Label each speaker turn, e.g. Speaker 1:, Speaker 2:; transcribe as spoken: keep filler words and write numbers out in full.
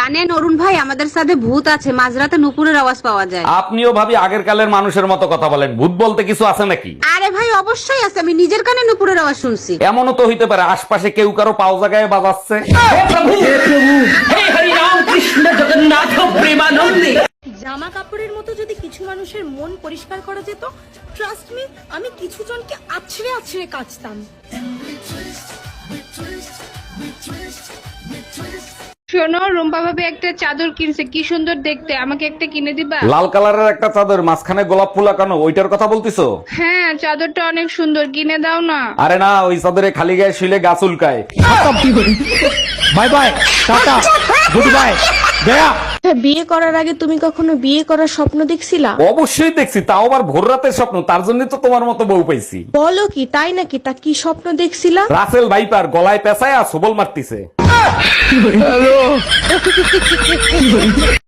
Speaker 1: জানেন অরুণ ভাই, আমাদের সাথে ভূত আছে, মাঝরাতে নুপুরের আওয়াজ পাওয়া যায়।
Speaker 2: আপনিও ভাবি আগের কালের মানুষের মতো কথা বলেন, ভূত বলতে কিছু আছে নাকি?
Speaker 1: আরে ভাই অবশ্যই আছে, আমি নিজের কানে নুপুরের আওয়াজ শুনছি।
Speaker 2: এমনও তো হইতে পারে আশপাশে কেউ কারো পাও জায়গায় বাজাচ্ছে।
Speaker 3: জামা কাপড়ের মতো যদি কিছু মানুষের মন পরিষ্কার করা যেত, ট্রাস্ট মি, আমি কিছু জনকে আছড়ে আছড়ে কাচতাম।
Speaker 1: শোনো, রুম্পা ভাবি একটা চাদর কিনছে, কি সুন্দর দেখতে, আমাকে একটা কিনে দিবা?
Speaker 2: লাল কালারের একটা চাদর, মাঝখানে গোলাপ ফুল আঁকানো, ওইটার কথা বলতিছো?
Speaker 1: হ্যাঁ, চাদরটা অনেক সুন্দর, কিনে দাও না।
Speaker 2: আরে না, ওই চাদরে খালি গায়ে শুলে গাছ উল্কায়।
Speaker 4: বাই বাই, টাটা, গুড বাই, গয়া।
Speaker 3: বিয়ে করার আগে তুমি কখনো বিয়ে করার স্বপ্ন দেখছিলা?
Speaker 2: অবশ্যই দেখছি, তাও আবার ভোর রাতের স্বপ্ন, তার জন্য তো তোমার মতো বউ পাইছি।
Speaker 3: বলো কি, তাই নাকি? তা কি স্বপ্ন দেখছিলা?
Speaker 2: রাসেল ভাইপার গলায় পেঁচায় আর সবল মারতিছে।